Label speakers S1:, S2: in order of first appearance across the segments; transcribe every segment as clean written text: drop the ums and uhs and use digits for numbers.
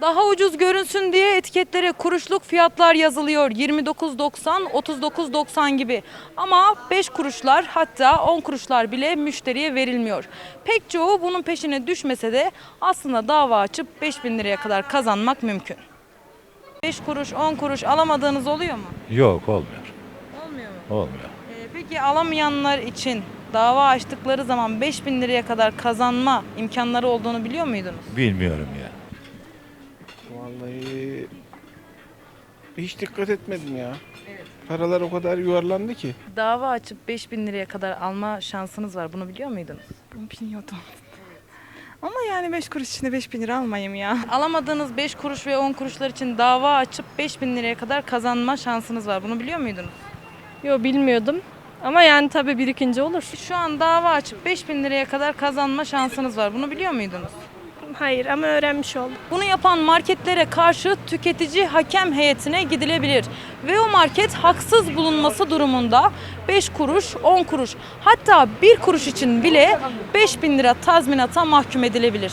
S1: Daha ucuz görünsün diye etiketlere kuruşluk fiyatlar yazılıyor. 29.90, 39.90 gibi. Ama 5 kuruşlar hatta 10 kuruşlar bile müşteriye verilmiyor. Pek çoğu bunun peşine düşmese de aslında dava açıp 5.000 liraya kadar kazanmak mümkün. 5 kuruş, 10 kuruş alamadığınız oluyor mu?
S2: Yok, olmuyor.
S1: Olmuyor mu?
S2: Olmuyor.
S1: Peki alamayanlar için dava açtıkları zaman 5.000 liraya kadar kazanma imkanları olduğunu biliyor muydunuz?
S2: Bilmiyorum ya.
S3: Vallahi hiç dikkat etmedim ya. Paralar o kadar yuvarlandı ki.
S1: Dava açıp 5.000 liraya kadar alma şansınız var. Bunu biliyor muydunuz?
S4: Bunu bilmiyordum. Ama yani 5 kuruş içinde 5.000 lira almayayım ya.
S1: Alamadığınız 5 kuruş ve 10 kuruşlar için dava açıp 5.000 liraya kadar kazanma şansınız var. Bunu biliyor muydunuz?
S5: Yo, bilmiyordum. Ama yani tabii birikince olur.
S1: Şu an dava açıp 5.000 liraya kadar kazanma şansınız var. Bunu biliyor muydunuz?
S5: Hayır ama öğrenmiş oldum.
S1: Bunu yapan marketlere karşı tüketici hakem heyetine gidilebilir. Ve o market haksız bulunması durumunda 5 kuruş, 10 kuruş hatta 1 kuruş için bile 5.000 lira tazminata mahkum edilebilir.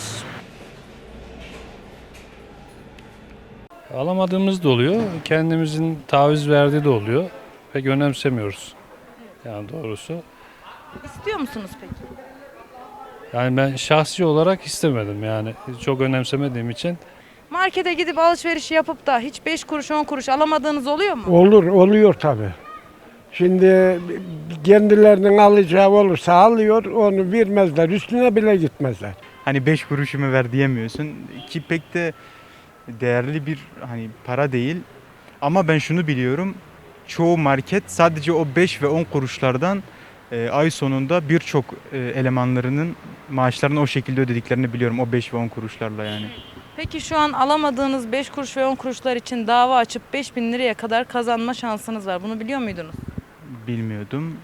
S6: Alamadığımız da oluyor. Kendimizin taviz verdiği de oluyor. Pek önemsemiyoruz. Yani doğrusu.
S1: İstiyor musunuz peki?
S6: Yani ben şahsi olarak istemedim yani. Çok önemsemediğim için.
S1: Markete gidip alışveriş yapıp da hiç 5 kuruş 10 kuruş alamadığınız oluyor mu?
S7: Oluyor tabii. Şimdi kendilerinin alacağı olursa alıyor, onu vermezler, üstüne bile gitmezler.
S8: Hani 5 kuruşumu ver diyemiyorsun ki pek de değerli bir hani para değil. Ama ben şunu biliyorum. Çoğu market sadece o 5 ve 10 kuruşlardan ay sonunda birçok elemanlarının maaşlarını o şekilde ödediklerini biliyorum. O 5 ve 10 kuruşlarla yani.
S1: Peki şu an alamadığınız 5 kuruş ve 10 kuruşlar için dava açıp 5.000 liraya kadar kazanma şansınız var. Bunu biliyor muydunuz?
S8: Bilmiyordum.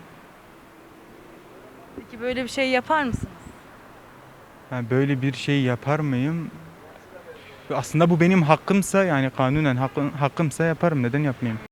S1: Peki böyle bir şey yapar mısınız?
S8: Ben böyle bir şey yapar mıyım? Aslında bu benim hakkımsa yani kanunen hakkımsa yaparım. Neden yapmayayım?